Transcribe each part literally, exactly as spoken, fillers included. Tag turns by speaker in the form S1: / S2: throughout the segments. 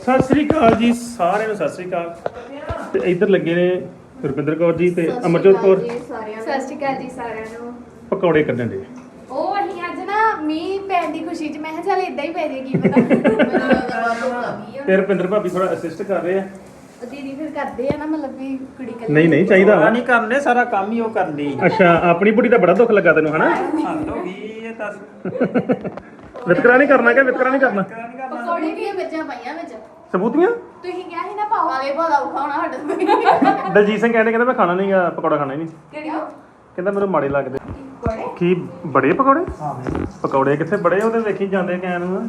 S1: ਸਤਿ ਸ੍ਰੀ ਅਕਾਲ ਜੀ ਸਾਰਿਆਂ ਨੂੰ, ਸਤਿ ਸ੍ਰੀ ਅਕਾਲ। ਤੇ ਇੱਧਰ ਲੱਗੇ ਨੇ ਰੁਪਿੰਦਰ ਕੌਰ ਜੀ ਤੇ ਅਮਰਜੋਤ ਕੌਰ।
S2: ਸਤਿ ਸ਼੍ਰੀ ਅਕਾਲ ਜੀ ਸਾਰਿਆਂ ਨੂੰ।
S1: ਪਕੌੜੇ ਕੱਢਣ ਦੇ
S2: ਉਹ ਅਸੀਂ ਅੱਜ ਨਾ ਮੀਂਹ ਪੈਣ ਦੀ ਖੁਸ਼ੀ 'ਚ ਮੈਂ ਕਿਹਾ ਚੱਲ ਇਦਾਂ ਹੀ ਪੈ ਜੇ, ਕੀ ਪਤਾ।
S1: ਤੇ ਰੁਪਿੰਦਰ ਭਾਬੀ ਥੋੜਾ ਅਸਿਸਟ ਕਰ ਰਹੇ ਆ।
S2: ਦੀਦੀ ਫਿਰ ਕਰਦੇ ਆ ਨਾ, ਮਤਲਬ ਵੀ ਕੁੜੀ ਕੱਲੀ
S1: ਨਹੀਂ ਨਹੀਂ ਚਾਹੀਦਾ ਵਾ
S3: ਨਹੀਂ ਕਰਨੇ, ਸਾਰਾ ਕੰਮ ਹੀ ਉਹ ਕਰਦੀ।
S1: ਅੱਛਾ, ਆਪਣੀ ਬੁੜੀ ਦਾ ਬੜਾ ਦੁੱਖ ਲੱਗਾ ਤੈਨੂੰ ਹਨਾ।
S3: ਹੱਦ ਹੋ ਗਈ ਇਹ ਤਾਂ।
S1: ਵਿਤਕਰਾ ਨਹੀਂ ਕਰਨਾ ਕਿ ਵਿਤਕਰਾ ਨਹੀਂ ਕਰਨਾ।
S2: ਪਕੌੜੇ ਵੀ ਵਿੱਚਾਂ ਪਾਈਆਂ ਵਿੱਚ
S1: ਸਬੂਤੀਆਂ
S2: ਤੁਸੀਂ ਕਿਹਾ ਸੀ ਨਾ ਪਾਓ ਵਾਲੇ ਭਾਦਾ ਉਖਾਉਣਾ ਸਾਡੇ ਤੋਂ।
S1: ਦਲਜੀਤ ਸਿੰਘ ਕਹਿੰਦੇ ਕਹਿੰਦਾ ਮੈਂ ਖਾਣਾ ਨਹੀਂਗਾ, ਪਕੌੜਾ ਖਾਣਾ ਹੀ ਨਹੀਂ।
S2: ਕਿਹੜੀ
S1: ਕਹਿੰਦਾ ਮੈਨੂੰ ਮਾੜੇ ਲੱਗਦੇ।
S2: ਪਕੌੜੇ
S1: ਕੀ ਬੜੇ ਪਕੌੜੇ?
S3: ਹਾਂ
S1: ਪਕੌੜੇ ਕਿੱਥੇ ਬੜੇ, ਉਹਦੇ ਵੇਖੀ ਜਾਂਦੇ ਕਹਿਣ ਨੂੰ।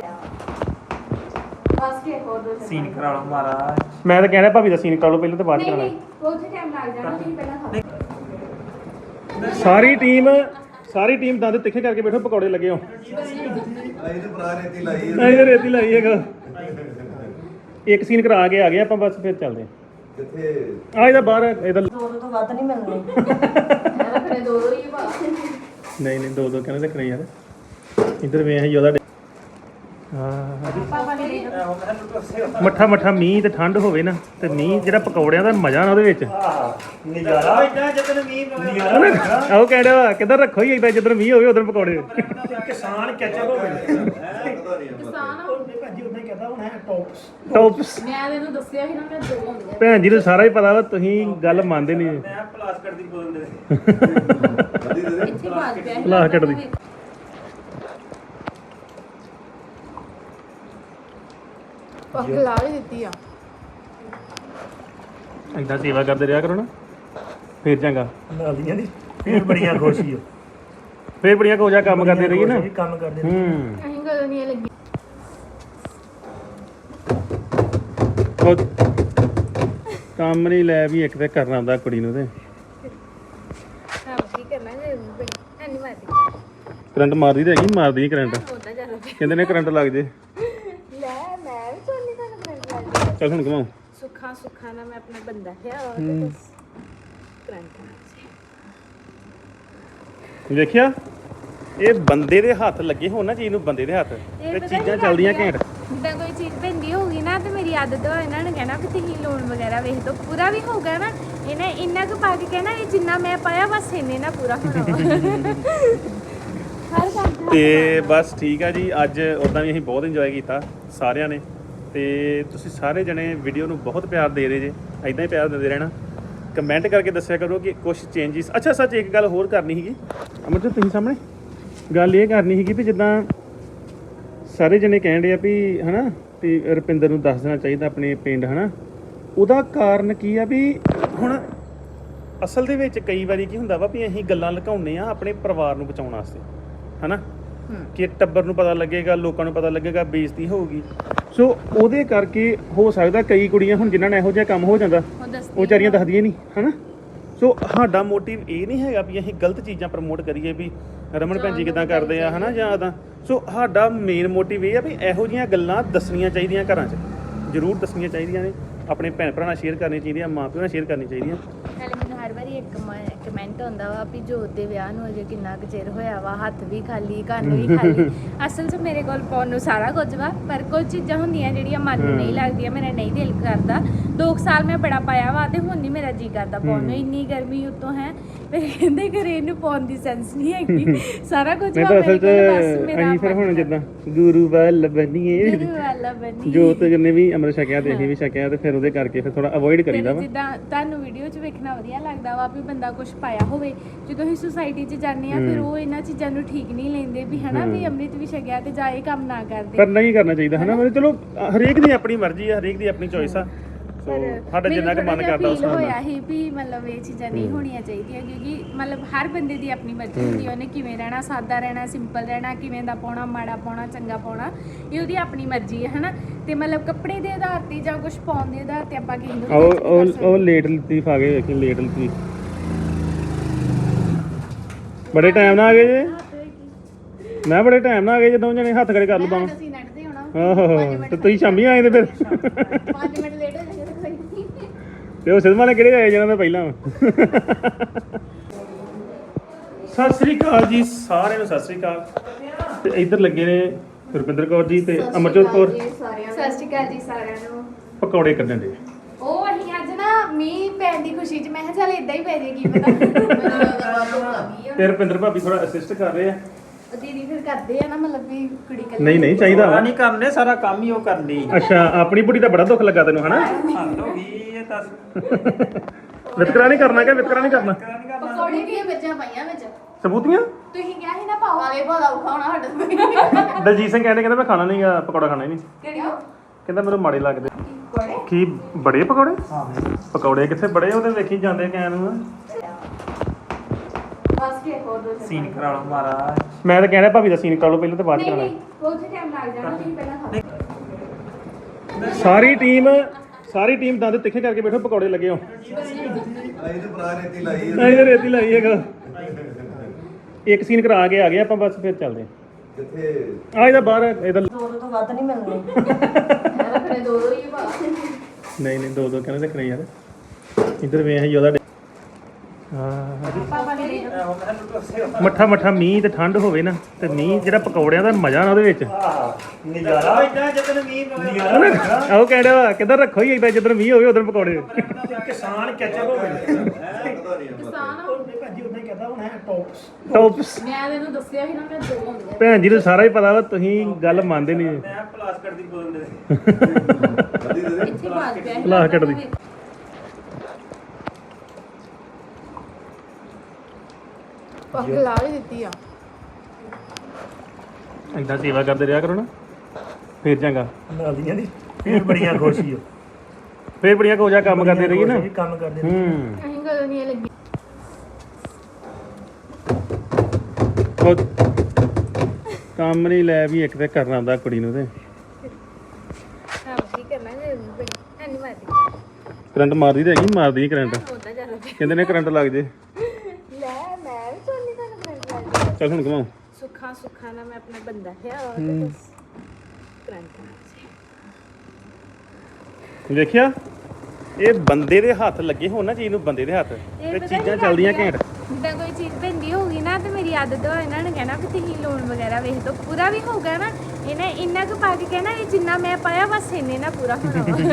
S2: ਬਸ ਕੇ ਹੋਰ ਦੋ
S3: ਸੀਨ ਕਰਾ ਲਓ ਮਹਾਰਾਜ।
S1: ਮੈਂ ਤਾਂ ਕਹਿਣਾ ਭਾਬੀ ਦਾ ਸੀਨ ਕਰ ਲਓ ਪਹਿਲਾਂ ਤੇ ਬਾਅਦ ਚ
S2: ਨਹੀਂ
S1: ਕਰਾਣਾ।
S2: ਨਹੀਂ ਬਹੁਤ ਟਾਈਮ ਲੱਗ ਜਾਣਾ, ਤੁਸੀਂ ਪਹਿਲਾਂ ਖਾਓ।
S1: ਸਾਰੀ ਟੀਮ ਸਾਰੀ ਟੀਮ ਦੰਦ ਤਿੱਖੇ ਕਰਕੇ ਬੈਠੋ, ਪਕੌੜੇ ਲੱਗੇ ਹੋ।
S4: ਆਈ ਤੇ ਭਰਾ ਰੇਤੀ ਲਾਈ ਹੈ।
S1: ਅਸੀਂ ਰੇਤੀ ਲਾਈ ਹੈਗਾ। ਇੱਕ ਸੀਨ ਕਰਾ ਕੇ ਆ ਗਏ ਆਪਾਂ, ਬਸ ਫਿਰ ਚੱਲਦੇ
S4: ਕਿੱਥੇ
S1: ਆ। ਇਹਦਾ ਬਾਹਰ ਇਹਦਾ
S5: ਦੋ ਤੋਂ ਵੱਧ ਨਹੀਂ ਮਿਲਣੇ।
S2: ਮੈਂ ਫਿਰ ਦੋ ਦੋ ਹੀ ਪਾ।
S1: ਨਹੀਂ ਨਹੀਂ ਦੋ ਦੋ ਕਹਿੰਦੇ ਰੱਖਣੇ ਯਾਰ। ਇੱਧਰ ਵੇਖ ਯੋਦਾ ਹਾਂ
S2: ਪਾਪਾ ਨੇ
S1: ਮੱਠਾ ਮੱਠਾ ਮੀਂਹ ਤੇ ਠੰਡ ਹੋਵੇ ਨਾ, ਤੇ ਮੀਂਹ ਜਿਹੜਾ ਪਕੌੜਿਆਂ ਦਾ ਮਜ਼ਾ ਨਾ ਉਹਦੇ ਵਿੱਚ।
S3: ਨਜ਼ਾਰਾ ਇਦਾਂ ਜਦੋਂ ਮੀਂਹ ਪਵੇ।
S1: ਉਹ ਕਹਿ ਰਿਹਾ ਕਿੱਧਰ ਰੱਖੋ ਹੀ ਏਦਾਂ, ਜਿੱਧਰ ਮੀਂਹ ਹੋਵੇ ਉਧਰ ਪਕੌੜੇ।
S3: ਕਿਸਾਨ ਕੈਚਅਪ ਹੋ ਗਏ।
S2: ਕਿਸਾਨ
S3: ਭਾਜੀ ਉਦਾਂ ਹੀ ਕਹਦਾ ਹੁਣ ਹੈ ਟੌਪਸ।
S1: ਟੌਪਸ
S2: ਮੈਂ ਤੈਨੂੰ ਦੱਸਿਆ ਸੀ ਨਾ ਮੈਂ ਦੋ ਹੁੰਦੇ
S1: ਭੈਣ ਜੀ ਨੂੰ ਸਾਰਾ ਹੀ ਪਤਾ ਵਾ, ਤੁਸੀਂ ਗੱਲ ਮੰਨਦੇ ਨਹੀਂ।
S3: ਮੈਂ ਪਲਾਸਟਿਕ ਦੀ ਬੋਤਲ ਦੇ
S2: ਇੱਥੇ ਬਾਜ ਪਿਆ ਸੀ।
S1: ਲਾ ਕੱਢ ਦੀ।
S2: ਉਹ ਖਿਲਾ ਵੀ ਦਿੱਤੀ ਆ।
S1: ਏਦਾਂ ਸੇਵਾ ਕਰਦੇ ਰਿਹਾ ਕਰੋ ਨਾ, ਫੇਰ ਚੰਗਾ।
S3: ਨਾਲੀਆਂ ਦੀ ਫੇਰ ਬੜੀਆਂ ਖੁਸ਼ੀ ਹੋ।
S1: ਫੇਰ ਬੜੀਆਂ ਕੋਜਾ ਕੰਮ ਕਰਦੇ ਰਹੀਏ ਨਾ।
S3: ਵੀ ਕੰਮ ਕਰਦੇ
S1: ਹੂੰ
S2: ਅਸੀਂ ਕਦੋਂ ਨਹੀਂ ਲੱਗੀ।
S1: ਉਹ ਕੰਮ ਨਹੀਂ ਲੈ ਵੀ ਇੱਕ ਤੇ ਕਰਨਾ ਹੁੰਦਾ ਕੁੜੀ ਨੂੰ। ਤੇ
S2: ਕੰਮ ਕੀ ਕਰਨਾ ਜੇ ਬੜੀ ਐਨੀ ਮਾਰਦੀ
S1: ਕਰੰਟ ਮਾਰਦੀ ਤੇ ਹੈਗੀ, ਮਾਰਦੀ ਨਹੀਂ ਕਰੰਟ।
S2: ਉਹਦਾ ਚੱਲ
S1: ਕਹਿੰਦੇ ਨੇ ਕਰੰਟ ਲੱਗ ਜੇ।
S2: ਲੈ ਮੈਂ ਵੀ ਸੋਨੀ ਤੁਹਾਨੂੰ ਕਰੰਟ ਲੱਗ
S1: ਚੱਲ ਹੁਣ ਘਮਾਓ।
S2: ਸੁੱਖਾ ਸੁੱਖਾ ਨਾ ਮੈਂ ਆਪਣਾ ਬੰਦਾ ਹੈ ਉਹ
S1: ਹੂੰ।
S2: ਕਰੰਟ
S1: ਵੇਖਿਆ, ਇਹ ਬੰਦੇ ਦੇ ਹੱਥ ਲੱਗੇ ਹੋਣ ਨਾ ਚੀਜ਼ ਨੂੰ, ਬੰਦੇ ਦੇ ਹੱਥ ਤੇ
S2: ਪਤਾ
S1: ਚੀਜ਼ਾਂ
S2: ਕੀ
S1: ਚੱਲਦੀਆਂ
S2: ਕਰਦੇ ਆ?
S1: ਘੈਂਟ।
S2: ਜਿੱਦਾਂ ਕੋਈ ਚੀਜ਼ ਪੈਂਦੀ ਹੋਊਗੀ ਨਾ ਤੇ ਮੇਰੀ ਆਦਤ ਹੋ ਇਹਨਾਂ ਨੇ ਕਹਿਣਾ ਕਿ ਤੁਸੀਂ ਲੋਨ ਵਗੈਰਾ ਵੇਖ ਦੋ, ਪੂਰਾ ਵੀ ਹੋਊਗਾ ਨਾ ਇਹਨੇ ਇੰਨਾ ਕੁ ਪਾ ਕੇ ਕਹਿਣਾ ਇਹ ਜਿੰਨਾ ਮੈਂ ਪਾਇਆ ਬਸ ਇੰਨੇ ਨਾ ਪੂਰਾ ਹੋਣਾ ਵਾ। ਹਰ ਕੰਮ ਦਾ
S1: ਤੇ ਬਸ ਠੀਕ ਆ ਜੀ। ਅੱਜ ਉਦਾਂ ਵੀ ਅਸੀਂ ਬਹੁਤ ਇੰਜੋਏ ਕੀਤਾ ਸਾਰਿਆਂ ਨੇ, ਤੇ ਤੁਸੀਂ ਸਾਰੇ ਜਣੇ ਵੀਡੀਓ ਨੂੰ ਬਹੁਤ ਪਿਆਰ ਦੇ ਰਹੇ ਜੇ। ਐਦਾਂ ਹੀ ਪਿਆਰ ਦਿੰਦੇ ਰਹਿਣਾ। ਕਮੈਂਟ ਕਰਕੇ ਦੱਸਿਆ ਕਰੋ ਕਿ ਕੁਝ ਚੇਂਜਿਸ। ਅੱਛਾ ਸੱਚ ਇੱਕ ਗੱਲ ਹੋਰ ਕਰਨੀ ਸੀਗੀ ਅਮਰਜੋਤ, ਤੁਸੀਂ ਸਾਹਮਣੇ ਗੱਲ ਇਹ ਕਰਨੀ ਸੀਗੀ ਵੀ ਜਿੱਦਾਂ ਸਾਰੇ ਜਣੇ ਕਹਿਣ ਰਹੇ ਆ ਵੀ ਹਨਾ ਵੀ ਰੁਪਿੰਦਰ ਨੂੰ ਦੱਸ ਦੇਣਾ ਚਾਹੀਦਾ ਆਪਣੇ ਪਿੰਡ ਹਨਾ। ਉਹਦਾ ਕਾਰਨ ਕੀ ਆ ਵੀ ਹੁਣ ਅਸਲ ਦੇ ਵਿੱਚ ਕਈ ਵਾਰੀ ਕੀ ਹੁੰਦਾ ਵਾ ਵੀ ਅਸੀਂ ਗੱਲਾਂ ਲੁਕਾਉਂਦੇ ਆ ਆਪਣੇ ਪਰਿਵਾਰ ਨੂੰ ਬਚਾਉਣ ਵਾਸਤੇ ਹਨਾ, ਕਿ ਟੱਬਰ ਨੂੰ ਪਤਾ ਲੱਗੇਗਾ, ਲੋਕਾਂ ਨੂੰ ਪਤਾ ਲੱਗੇਗਾ, ਬੇਇੱਜ਼ਤੀ ਹੋਊਗੀ। ਸੋ ਉਹਦੇ ਕਰਕੇ ਹੋ ਸਕਦਾ ਕਈ ਕੁੜੀਆਂ ਹੁਣ ਜਿਨ੍ਹਾਂ ਨਾਲ ਇਹੋ ਜਿਹਾ ਕੰਮ ਹੋ ਜਾਂਦਾ
S2: ਉਹ ਦੱਸਦੀ
S1: ਉਹ ਵਿਚਾਰੀਆਂ ਦੱਸਦੀਆਂ ਨਹੀਂ ਹਨਾ। ਸੋ ਸਾਡਾ ਮੋਟਿਵ ਇਹ ਨਹੀਂ ਹੈਗਾ ਵੀ ਅਸੀਂ ਗਲਤ ਚੀਜ਼ਾਂ ਪ੍ਰਮੋਟ ਕਰੀਏ ਵੀ ਰਮਨ ਭੈਣ ਜੀ ਕਿੱਦਾਂ ਕਰਦੇ ਆ ਹਨਾ ਜਾਂ ਇੱਦਾਂ। ਸੋ ਸਾਡਾ ਮੇਨ ਮੋਟਿਵ ਇਹ ਆ ਵੀ ਇਹੋ ਜਿਹੀਆਂ ਗੱਲਾਂ ਦੱਸਣੀਆਂ ਚਾਹੀਦੀਆਂ, ਘਰਾਂ 'ਚ ਜ਼ਰੂਰ ਦੱਸਣੀਆਂ ਚਾਹੀਦੀਆਂ ਨੇ, ਆਪਣੇ ਭੈਣ ਭਰਾ ਨਾਲ ਸ਼ੇਅਰ ਕਰਨੀਆਂ ਚਾਹੀਦੀਆਂ, ਮਾਂ ਪਿਓ ਨਾਲ ਸ਼ੇਅਰ ਕਰਨੀਆਂ ਚਾਹੀਦੀਆਂ।
S2: ਨਾਲੇ ਮੈਨੂੰ ਹਰ ਵਾਰੀ ਇੱਕ ਕਮੈਂਟ ਆਉਂਦਾ ਵਾ ਵੀ ਜੋਤ ਦੇ ਵਿਆਹ ਨੂੰ ਅਜੇ ਕਿੰਨਾ ਕੁ ਚਿਰ ਹੋਇਆ ਵਾ, ਹੱਥ ਵੀ ਖਾਲੀ, ਕੰਨ ਵੀ ਖਾਲੀ। ਅਸਲ 'ਚ ਮੇਰੇ ਕੋਲ ਪਾਉਣ ਨੂੰ ਸਾਰਾ ਕੁਝ ਵਾ, ਪਰ ਕੁਝ ਚੀਜ਼ਾਂ ਹੁੰਦੀਆਂ ਜਿਹੜੀਆਂ ਮਨ ਨੂੰ ਨਹੀਂ ਲੱਗਦੀਆਂ, ਮੇਰਾ ਨਹੀਂ ਦਿਲ ਕਰਦਾ। ਦੋ ਕੁ ਸਾਲ ਮੈਂ ਬੜਾ ਪਾਇਆ ਵਾ ਤੇ ਹੁਣ ਨਹੀਂ ਮੇਰਾ ਜੀ ਕਰਦਾ ਪਾਉਣ ਨੂੰ। ਇੰਨੀ ਗਰਮੀ ਉੱਤੋਂ ਹੈ, ਮੇਰੇ ਕਹਿੰਦੇ ਘਰੇ ਇਹਨੂੰ ਪਾਉਣ ਦੀ ਸੈਂਸ ਨਹੀਂ ਹੈਗੀ। ਸਾਰਾ ਕੁਝ
S1: ਮੈਂ
S2: ਵਾ
S1: ਤਾਂ
S2: ਮੇਰੇ
S1: ਅਸਲ 'ਚ
S2: ਕੋਲ, ਬਸ ਮੇਰਾ
S1: ਅਸੀਂ ਫਿਰ ਹੁਣ ਜਿੱਦਾਂ ਗੁਰੂ ਵੱਲ ਬਣੀਏ,
S2: ਗੁਰੂ ਵਾਲਾ ਬਣੀ।
S1: ਜੋਤ ਜਿੰਨੇ ਵੀ ਅੰਮ੍ਰਿਤ ਛਕਿਆ ਤੇ ਅਸੀਂ ਵੀ ਛਕਿਆ, ਤੇ ਫਿਰ ਉਹਦੇ ਕਰਕੇ ਫਿਰ ਥੋੜਾ ਅਵੋਇਡ ਕਰੀਦਾ ਵਾ।
S2: ਜਿੱਦਾਂ ਤੁਹਾਨੂੰ ਵੀਡੀਓ 'ਚ ਵੇਖਣਾ ਵਧੀਆ ਲੱਗਦਾ ਵਾ ਵੀ ਬੰਦਾ ਕੁਝ ਪਾਇਆ ਹੋਵੇ, ਜਦੋਂ ਅਸੀਂ ਸੁਸਾਇਟੀ 'ਚ ਜਾਂਦੇ ਆ ਫਿਰ ਉਹ ਇਹਨਾਂ ਚੀਜ਼ਾਂ ਨੂੰ ਠੀਕ ਨਹੀਂ ਲੈਂਦੇ ਵੀ ਹਨਾ ਵੀ ਅੰਮ੍ਰਿਤ ਵੀ ਛਕਿਆ ਤੇ ਜਾ ਇਹ ਕੰਮ ਨਾ ਕਰਦੇ।
S1: ਪਰ ਨਹੀਂ ਕਰਨਾ ਚਾਹੀਦਾ ਹਨਾ। ਮਤਲਬ ਚਲੋ ਹਰੇਕ ਦੀ ਆਪਣੀ ਮਰਜ਼ੀ ਆ, ਹਰੇਕ ਦੀ ਆਪਣੀ ਚੋਇਸ ਆ। ਸੋ ਸਾਡਾ ਜਿੰਨਾ ਕੁ ਮਨ ਕਰਦਾ ਉਸ ਨਾਲ
S2: ਹੋਇਆ ਸੀ ਵੀ ਮਤਲਬ ਇਹ ਚੀਜ਼ਾਂ ਨਹੀਂ ਹੋਣੀਆਂ ਚਾਹੀਦੀਆਂ, ਕਿਉਂਕਿ ਮਤਲਬ ਹਰ ਬੰਦੇ ਦੀ ਆਪਣੀ ਮਰਜ਼ੀ ਹੁੰਦੀ, ਉਹਨੇ ਕਿਵੇਂ ਰਹਿਣਾ, ਸਾਦਾ ਰਹਿਣਾ, ਸਿੰਪਲ ਰਹਿਣਾ, ਕਿਵੇਂ ਦਾ ਪਾਉਣਾ, ਮਾੜਾ ਪਾਉਣਾ, ਚੰਗਾ ਪਾਉਣਾ, ਇਹ ਉਹਦੀ ਆਪਣੀ ਮਰਜ਼ੀ ਹੈ ਹਨਾ। ਤੇ ਮਤਲਬ ਕੱਪੜੇ ਦੇ ਆਧਾਰ ਤੇ ਜਾਂ ਕੁਝ ਪਾਉਣ ਦੇ ਆਧਾਰ ਤੇ ਆਪਾਂ ਕਿਸੇ ਨੂੰ
S1: ਉਹ ਉਹ ਉਹ ਲੇਟ ਲਤੀਫ ਆ ਗਏ, ਵੇਖੀ ਲੇਟ ਲਤੀਫ ਬੜੇ ਟਾਈਮ ਨਾਲ ਆ ਗਏ ਜੇ। ਮੈਂ ਬੜੇ ਟਾਈਮ ਨਾਲ ਆ ਗਏ, ਜਦੋਂ ਜਣੇ ਹੱਥ ਖੜੇ ਕਰ ਲੂ ਬਾਵਾਂ।
S2: ਅਸੀਂ ਨੱਟਦੇ ਹੋਣਾ
S1: ਆਹੋ, ਤੇ ਤੁਸੀਂ ਸ਼ਾਮੀ ਆਏ ਤੇ ਫਿਰ
S2: ਪੰਜ ਮਿੰਟ ਲੇਟ ਹੋ ਜਾਂਦੇ ਤਾਂ ਕੋਈ ਨਹੀਂ।
S1: ਤੇ ਉਹ ਸਿਨੇਮਾ ਨੇ ਕਿਹੜੇ ਆਏ ਜਿਹਨਾਂ ਦਾ ਪਹਿਲਾਂ ਸਤਿ ਸ੍ਰੀ ਅਕਾਲ ਜੀ ਸਾਰਿਆਂ ਨੂੰ, ਸਤਿ ਸ੍ਰੀ ਅਕਾਲ। ਤੇ ਇੱਧਰ ਲੱਗੇ ਨੇ ਰੁਪਿੰਦਰ ਕੌਰ ਜੀ ਤੇ ਅਮਰਜੋਤ ਕੌਰ।
S2: ਸਤਿ ਸ਼੍ਰੀ ਅਕਾਲ ਜੀ ਸਾਰਿਆਂ ਨੂੰ।
S1: ਪਕੌੜੇ ਕੱਢਣ ਦੇ
S2: ਉਹ ਅਸੀਂ ਅੱਜ ਨਾ ਮੀਂਹ ਪੈਣ ਦੀ ਖੁਸ਼ੀ 'ਚ ਮੈਂ ਕਿਹਾ ਚੱਲ ਇਦਾਂ ਹੀ ਪੈ ਜੇ ਕੀ ਪਤਾ।
S1: ਤੇ ਰੁਪਿੰਦਰ ਭਾਬੀ ਥੋੜਾ ਅਸਿਸਟ ਕਰ ਰਹੇ ਆ।
S2: ਉਹ ਦੀਦੀ ਫਿਰ ਕਰਦੇ ਆ ਨਾ ਮਤਲਬ ਵੀ ਕੁੜੀ ਕੱਲੀ
S1: ਨਹੀਂ ਨਹੀਂ ਚਾਹੀਦਾ ਵਾ।
S3: ਨਹੀਂ ਕਰਨੇ ਸਾਰਾ ਕੰਮ ਹੀ ਉਹ ਕਰਦੀ
S1: ਅੱਛਾ ਆਪਣੀ ਬੁੜੀ ਦਾ ਬੜਾ ਦੁੱਖ ਲੱਗਾ ਤੈਨੂੰ ਹਨਾ।
S3: ਹੱਦ ਹੋ ਗਈ ਇਹ ਤਾਂ
S1: ਵਿਤਕਰਾ ਨਹੀਂ ਕਰਨਾ ਕਿ ਵਿਤਕਰਾ ਨਹੀਂ ਕਰਨਾ।
S2: ਪਕੌੜੇ ਕੀ ਬੱਚਿਆਂ ਪਾਈਆਂ ਵਿੱਚ
S1: ਸਬੂਤੀਆਂ
S2: ਤੁਸੀਂ ਕਿਹਾ ਸੀ ਨਾ ਪਾਓ ਵਾਲੇ ਭਾਦਾ ਉਖਾਉਣਾ ਸਾਡਾ
S1: ਦਲਜੀਤ ਸਿੰਘ ਕਹਿੰਦੇ ਕਹਿੰਦਾ ਮੈਂ ਖਾਣਾ ਨਹੀਂਗਾ ਪਕੌੜਾ ਖਾਣਾ ਹੀ ਨਹੀਂ।
S2: ਕਿਹੜੀ
S1: ਕਹਿੰਦਾ ਮੈਨੂੰ ਮਾੜੇ ਲੱਗਦੇ।
S2: ਪਕੌੜੇ
S1: ਕੀ ਬੜੇ ਪਕੌੜੇ
S3: ਹਾਂ
S1: ਪਕੌੜੇ ਕਿੱਥੇ ਬੜੇ ਉਹਦੇ ਵੇਖੀ ਜਾਂਦੇ ਕੈਨ ਨੂੰ।
S2: ਬਸ ਕੇ ਹੋਰ ਦੋ
S3: ਸੀਨ ਕਰਾ ਲਓ ਮਹਾਰਾਜ
S1: ਮੈਂ ਤਾਂ ਕਹਿਣਾ ਭਾਬੀ ਦਾ ਸੀਨ ਕਰ ਲਓ ਪਹਿਲਾਂ ਤੇ ਬਾਅਦ ਚ
S2: ਨਹੀਂ
S1: ਕਰਾਣਾ।
S2: ਨਹੀਂ ਬਹੁਤ ਟਾਈਮ ਲੱਗ ਜਾਣਾ ਤੁਸੀਂ ਪਹਿਲਾਂ ਖਾਓ।
S1: ਸਾਰੀ ਟੀਮ ਸਾਰੀ ਟੀਮ ਦੰਦ ਤਿੱਖੇ ਕਰਕੇ ਬੈਠੋ ਪਕੌੜੇ ਲੱਗੇ ਹੋ।
S4: ਆਈ ਤੇ ਭਰਾ ਰੇਤੀ ਲਾਈ ਹੈ
S1: ਨਹੀਂ ਰੇਤੀ ਲਾਈ ਹੈਗਾ। ਇੱਕ ਸੀਨ ਕਰਾ ਕੇ ਆ ਗਏ ਆਪਾਂ ਬਸ ਫਿਰ ਚੱਲਦੇ
S4: ਕਿੱਥੇ
S1: ਆ। ਇਹਦਾ ਬਾਹਰ ਇਹਦਾ
S5: ਦੋ ਤੋਂ ਵੱਧ ਨਹੀਂ ਮਿਲਣੇ।
S2: ਮੈਂ ਫਿਰ ਦੋ ਦੋ ਹੀ ਪਾ
S1: ਨਹੀਂ ਨਹੀਂ ਦੋ ਦੋ ਕਹਿੰਦੇ ਰੱਖਣੇ ਯਾਰ। ਇੱਧਰ ਵੇਖ ਯੋਦਾ
S2: ਪਾਪਾ ਨੇ
S1: ਮੱਠਾ ਮੱਠਾ ਮੀਂਹ ਤੇ ਠੰਡ ਹੋਵੇ ਨਾ ਤੇ ਮੀਂਹ ਜਿਹੜਾ ਪਕੌੜਿਆਂ ਦਾ ਮਜ਼ਾ ਨਾ ਉਹਦੇ ਵਿੱਚ।
S3: ਨਜ਼ਾਰਾ ਇਦਾਂ ਜਦੋਂ ਮੀਂਹ ਨਜ਼ਾਰਾ
S1: ਆਹੋ ਕਹਿੰਦਾ ਵਾ ਕਿੱਧਰ ਰੱਖੋ ਹੀ ਏਦਾਂ ਜਿੱਧਰ ਮੀਂਹ ਹੋਵੇ ਉਧਰ ਪਕੌੜੇ।
S3: ਕਿਸਾਨ ਕੈਚਅਪ ਹੋ ਗਏ
S4: ਪਤਾ ਨਹੀਂ ਆਪਾਂ
S3: ਭਾਜੀ ਉਦਾਂ ਹੀ ਕਹਦਾ ਹੁਣ ਹੈ ਟੌਪਸ
S1: ਟੌਪਸ
S2: ਮੈਂ ਤੈਨੂੰ ਦੱਸਿਆ ਸੀ ਨਾ ਮੈਂ ਦੋ ਹੁੰਦੇ
S1: ਭੈਣ ਜੀ ਨੂੰ ਸਾਰਾ ਹੀ ਪਤਾ ਵਾ ਤੁਸੀਂ ਗੱਲ ਮੰਨਦੇ ਨਹੀਂ।
S3: ਮੈਂ ਪਲਾਸਟਿਕ ਦੀ ਬੋਤਲ ਦੇ
S4: ਕਦੀ ਦੇ
S2: ਇੱਥੇ ਬਾਤ ਪਿਆ ਸੀ
S1: ਲਾ ਕੱਢ ਦੀ।
S2: ਪੱਕ ਲਾ ਵੀ ਦਿੱਤੀ ਆ
S1: ਏਦਾਂ ਸੇਵਾ ਕਰਦੇ ਰਿਹਾ ਕਰੋ ਨਾ ਫੇਰ ਚੰਗਾ।
S3: ਨਾਲੀਆਂ ਦੀ ਫੇਰ ਬੜੀਆਂ ਖੁਸ਼ੀ ਹੋ
S1: ਫੇਰ ਬੜੀਆਂ ਕੋ ਜਾ ਕੰਮ ਕਰਦੇ ਰਹੀਏ ਨਾ।
S3: ਕੰਮ ਕਰਦੇ
S1: ਹੂੰ
S2: ਅਸੀਂ ਗੱਲ ਨਹੀਂ ਲੱਗੀ
S1: ਉਹ ਕੰਮ ਨਹੀਂ ਲੈ ਵੀ ਇੱਕ ਤੇ ਕਰਨਾ ਹੁੰਦਾ ਕੁੜੀ ਨੂੰ ਤੇ।
S2: ਹਾਂ ਕੀ ਕਰਨਾ ਹੈ ਨਹੀਂ ਮਾਰਦੀ
S1: ਕਰੰਟ ਮਾਰਦੀ ਤੇ ਹੈਗੀ ਮਾਰਦੀ ਨਹੀਂ ਕਰੰਟ।
S2: ਉਹਦਾ ਜ਼ਿਆਦਾ
S1: ਕਹਿੰਦੇ ਨੇ ਕਰੰਟ ਲੱਗ ਜੇ।
S2: ਲੈ ਮੈਂ ਵੀ ਸੋਨੀ ਤੁਹਾਨੂੰ ਕਰੰਟ ਲੱਗ
S1: ਚੱਲ ਹੁਣ ਘਮਾਓ।
S2: ਸੁੱਖਾ ਸੁੱਖਾ ਨਾ ਮੈਂ ਆਪਣਾ ਬੰਦਾ ਹੈ ਔਰ ਬਸ ਕਰੰਟ
S1: ਵੇਖਿਆ ਇਹ ਬੰਦੇ ਦੇ ਹੱਥ ਲੱਗੇ ਹੋਣ ਨਾ ਚੀਜ਼ ਨੂੰ ਬੰਦੇ ਦੇ ਹੱਥ ਤੇ
S2: ਪਤਾ
S1: ਚੀਜ਼ਾਂ
S2: ਕੀ
S1: ਚੱਲਦੀਆਂ
S2: ਕਰਦੇ ਆ?
S1: ਘੈਂਟ।
S2: ਜਿੱਦਾਂ ਕੋਈ ਚੀਜ਼ ਪੈਂਦੀ ਹੋਊਗੀ ਨਾ ਤੇ ਮੇਰੀ ਆਦਤ ਹੋ ਇਹਨਾਂ ਨੇ ਕਹਿਣਾ ਵੀ ਤੁਸੀਂ ਲੋਨ ਵਗੈਰਾ ਵੇਖ ਦੋ ਪੂਰਾ ਵੀ ਹੋਊਗਾ ਨਾ ਇਹਨੇ ਇੰਨਾ ਕੁ ਪਾ ਕੇ ਕਹਿਣਾ ਇਹ ਜਿੰਨਾ ਮੈਂ ਪਾਇਆ ਬਸ ਇੰਨੇ ਨਾ ਪੂਰਾ ਹੋਣਾ ਵਾ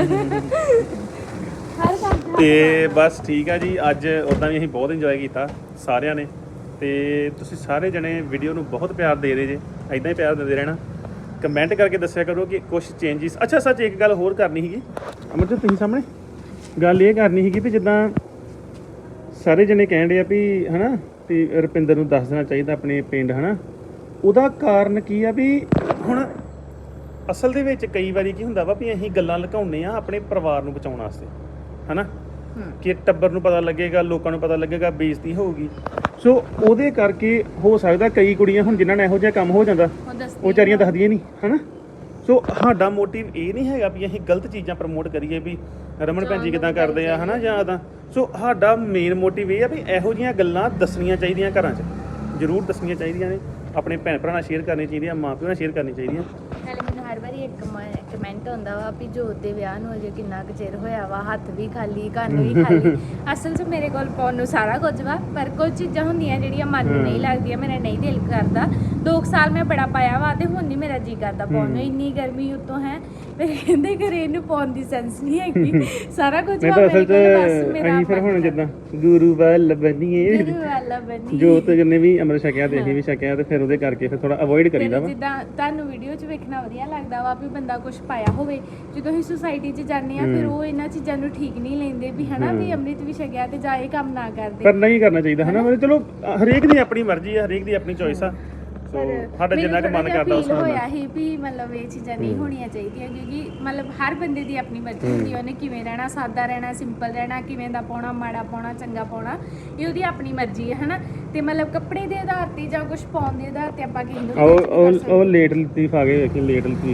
S2: ਹਰ ਕੰਮ ਦਾ
S1: ਤੇ ਬਸ ਠੀਕ ਆ ਜੀ। ਅੱਜ ਉਦਾਂ ਵੀ ਅਸੀਂ ਬਹੁਤ ਇੰਜੋਏ ਕੀਤਾ ਸਾਰਿਆਂ ਨੇ ਤੇ ਤੁਸੀਂ ਸਾਰੇ ਜਣੇ ਵੀਡੀਓ ਨੂੰ ਬਹੁਤ ਪਿਆਰ ਦੇ ਰਹੇ ਜੇ। ਐਦਾਂ ਹੀ ਪਿਆਰ ਦਿੰਦੇ ਰਹਿਣਾ। ਕਮੈਂਟ ਕਰਕੇ ਦੱਸਿਆ ਕਰੋ ਕਿ ਕੁਝ ਚੇਂਜਸ। ਅੱਛਾ ਸੱਚ ਇੱਕ ਗੱਲ ਹੋਰ ਕਰਨੀ ਸੀਗੀ ਅਮਰਜੀਤ ਤੁਸੀਂ ਸਾਹਮਣੇ ਗੱਲ ਇਹ ਕਰਨੀ ਸੀਗੀ ਵੀ ਜਿੱਦਾਂ ਸਾਰੇ ਜਣੇ ਕਹਿਣ ਡਏ ਆ ਵੀ ਹਨਾ ਵੀ ਰੁਪਿੰਦਰ ਨੂੰ ਦੱਸ ਦੇਣਾ ਚਾਹੀਦਾ ਆਪਣੇ ਪਿੰਡ ਹਨਾ। ਉਹਦਾ ਕਾਰਨ ਕੀ ਆ ਵੀ ਹੁਣ ਅਸਲ ਦੇ ਵਿੱਚ ਕਈ ਵਾਰੀ ਕੀ ਹੁੰਦਾ ਵਾ ਵੀ ਅਸੀਂ ਗੱਲਾਂ ਲੁਕਾਉਂਦੇ ਆ ਆਪਣੇ ਪਰਿਵਾਰ ਨੂੰ ਬਚਾਉਣ ਵਾਸਤੇ ਹਨਾ ਕਿ ਟੱਬਰ ਨੂੰ ਪਤਾ ਲੱਗੇਗਾ ਲੋਕਾਂ ਨੂੰ ਪਤਾ ਲੱਗੇਗਾ ਬੇਇੱਜ਼ਤੀ ਹੋਊਗੀ। ਸੋ ਉਹਦੇ ਕਰਕੇ ਹੋ ਸਕਦਾ ਕਈ ਕੁੜੀਆਂ ਹੁਣ ਜਿਨ੍ਹਾਂ ਨਾਲ ਇਹੋ ਜਿਹਾ ਕੰਮ ਹੋ ਜਾਂਦਾ
S2: ਉਹ ਦੱਸਦੀ
S1: ਉਹ ਵਿਚਾਰੀਆਂ ਦੱਸਦੀਆਂ ਨਹੀਂ ਹਨਾ। ਸੋ ਸਾਡਾ ਮੋਟਿਵ ਇਹ ਨਹੀਂ ਹੈਗਾ ਵੀ ਅਸੀਂ ਗਲਤ ਚੀਜ਼ਾਂ ਪ੍ਰਮੋਟ ਕਰੀਏ ਵੀ ਰਮਨ ਭੈਣ ਜੀ ਕਿਦਾਂ ਕਰਦੇ ਆ ਹਨਾ ਜਾਂ ਤਾਂ। ਸੋ ਸਾਡਾ ਮੇਨ ਮੋਟਿਵ ਇਹ ਆ ਵੀ ਇਹੋ ਜਿਹੀਆਂ ਗੱਲਾਂ ਦੱਸਣੀਆਂ ਚਾਹੀਦੀਆਂ ਘਰਾਂ 'ਚ ਜ਼ਰੂਰ ਦੱਸਣੀਆਂ ਚਾਹੀਦੀਆਂ ਨੇ। ਆਪਣੇ ਭੈਣ ਭਰਾ ਨਾਲ ਸ਼ੇਅਰ ਕਰਨੀਆਂ ਚਾਹੀਦੀਆਂ ਮਾਂ ਪਿਓ ਨਾਲ ਸ਼ੇਅਰ ਕਰਨੀਆਂ ਚਾਹੀਦੀਆਂ।
S2: ਨਾਲੇ ਮੈਨੂੰ ਹਰ ਵਾਰੀ ਇੱਕ ਕਮੈਂਟ ਆਉਂਦਾ ਵਾ ਵੀ ਜੋਤ ਦੇ ਵਿਆਹ ਨੂੰ ਅਜੇ ਕਿੰਨਾ ਕੁ ਚਿਰ ਹੋਇਆ ਵਾ ਹੱਥ ਵੀ ਖਾਲੀ ਕੰਨ ਵੀ ਖਾਲੀ। ਅਸਲ 'ਚ ਮੇਰੇ ਕੋਲ ਪਾਉਣ ਨੂੰ ਸਾਰਾ ਕੁਝ ਵਾ ਪਰ ਕੁਝ ਚੀਜ਼ਾਂ ਹੁੰਦੀਆਂ ਜਿਹੜੀਆਂ ਮਨ ਨੂੰ ਨਹੀਂ ਲੱਗਦੀਆਂ ਮੇਰਾ ਨਹੀਂ ਦਿਲ ਕਰਦਾ। ਦੋ ਕੁ ਸਾਲ ਮੈਂ ਬੜਾ ਪਾਇਆ ਵਾ ਤੇ ਹੁਣ ਨਹੀਂ ਮੇਰਾ ਜੀ ਕਰਦਾ ਪਾਉਣ ਨੂੰ। ਇੰਨੀ ਗਰਮੀ ਉੱਤੋਂ ਹੈ ਮੇਰੇ ਕਹਿੰਦੇ ਘਰੇ ਇਹਨੂੰ ਪਾਉਣ ਦੀ ਸੈਂਸ ਨਹੀਂ ਹੈਗੀ ਸਾਰਾ ਕੁਝ
S1: ਮੈਂ
S2: ਵਾ
S1: ਤਾਂ ਅਸਲ
S2: ਮੇਰੇ
S1: 'ਚ
S2: ਕੋਲ ਬਸ ਮੇਰਾ
S1: ਅਸੀਂ ਫਿਰ ਹੁਣ ਜਿੱਦਾਂ ਗੁਰੂ ਵੱਲ ਬਣੀਏ
S2: ਗੁਰੂ ਵਾਲਾ ਬਣੀ
S1: ਜੋਤ ਜਿੰਨੇ ਵੀ ਅੰਮ੍ਰਿਤ ਛਕਿਆ ਤੇ ਅਸੀਂ ਵੀ ਛਕਿਆ ਤੇ ਫਿਰ ਉਹਦੇ ਕਰਕੇ ਫਿਰ ਥੋੜਾ ਅਵੋਇਡ ਕਰੀਦਾ ਵਾ।
S2: ਜਿੱਦਾਂ ਤੁਹਾਨੂੰ ਵੀਡੀਓ 'ਚ ਵੇਖਣਾ ਵਧੀਆ ਲੱਗਦਾ ਵਾ ਵੀ ਬੰਦਾ ਕੁਝ ਪਾਇਆ ਹੋਵੇ ਜਦੋਂ ਅਸੀਂ ਸੁਸਾਇਟੀ 'ਚ ਜਾਂਦੇ ਆ ਫਿਰ ਉਹ ਇਹਨਾਂ ਚੀਜ਼ਾਂ ਨੂੰ ਠੀਕ ਨਹੀਂ ਲੈਂਦੇ ਵੀ ਹਨਾ ਵੀ ਅੰਮ੍ਰਿਤ ਵੀ ਛਕਿਆ ਤੇ ਜਾ ਇਹ ਕੰਮ ਨਾ ਕਰਦੇ।
S1: ਪਰ ਨਹੀਂ ਕਰਨਾ ਚਾਹੀਦਾ ਹਨਾ। ਮਤਲਬ ਚਲੋ ਹਰੇਕ ਦੀ ਆਪਣੀ ਮਰਜ਼ੀ ਆ ਹਰੇਕ ਦੀ ਆਪਣੀ ਚੋਇਸ ਆ। ਸੋ ਸਾਡਾ ਜਿੰਨਾ ਕੁ ਮਨ ਕਰਦਾ ਉਸ ਨਾਲ
S2: ਹੋਇਆ ਹੀ ਵੀ ਮਤਲਬ ਇਹ ਚੀਜ਼ਾਂ ਨਹੀਂ ਹੋਣੀਆਂ ਚਾਹੀਦੀਆਂ ਕਿਉਂਕਿ ਮਤਲਬ ਹਰ ਬੰਦੇ ਦੀ ਆਪਣੀ ਮਰਜ਼ੀ ਹੁੰਦੀ ਹੈ ਉਹਨੇ ਕਿਵੇਂ ਰਹਿਣਾ ਸਾਦਾ ਰਹਿਣਾ ਸਿੰਪਲ ਰਹਿਣਾ ਕਿਵੇਂ ਦਾ ਪਾਉਣਾ ਮਾੜਾ ਪਾਉਣਾ ਚੰਗਾ ਪਾਉਣਾ ਇਹ ਉਹਦੀ ਆਪਣੀ ਮਰਜ਼ੀ ਹੈ ਹਨਾ। ਤੇ ਮਤਲਬ ਕੱਪੜੇ ਦੇ ਆਧਾਰ ਤੇ ਜਾਂ ਕੁਝ ਪਾਉਣ ਦੇ ਆਧਾਰ ਤੇ ਆਪਾਂ ਕਿਸੇ ਨੂੰ
S1: ਉਹ ਉਹ ਉਹ ਲੇਟ ਲਤੀਫ ਆ ਗਏ ਵੇਖੀ ਲੇਟ ਲਤੀਫ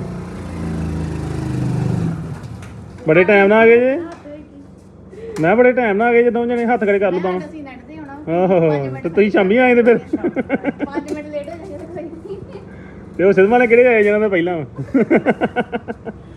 S1: ਬੜੇ ਟਾਈਮ ਨਾਲ ਆ ਗਏ ਜੇ। ਮੈਂ ਬੜੇ ਟਾਈਮ ਨਾਲ ਆ ਗਏ ਜਦੋਂ ਜਣੇ ਹੱਥ ਖੜੇ ਕਰ ਲੂ ਬਾਵਾਂ।
S2: ਅਸੀਂ ਨੱਟਦੇ ਹੋਣਾ
S1: ਆਹੋ ਤੇ ਤੁਸੀਂ ਸ਼ਾਮੀ ਆਏ ਤੇ ਫਿਰ
S2: ਪੰਜ ਮਿੰਟ ਲੇਟ ਹੋ ਜਾਈਏ ਤਾਂ ਕੋਈ ਨਹੀਂ।
S1: ਤੇ ਉਹ ਸਿਦਮਾ ਨੇ ਕਿਹੜੇ ਆਏ ਜਿਹਨਾਂ ਦਾ ਪਹਿਲਾਂ ਵਾ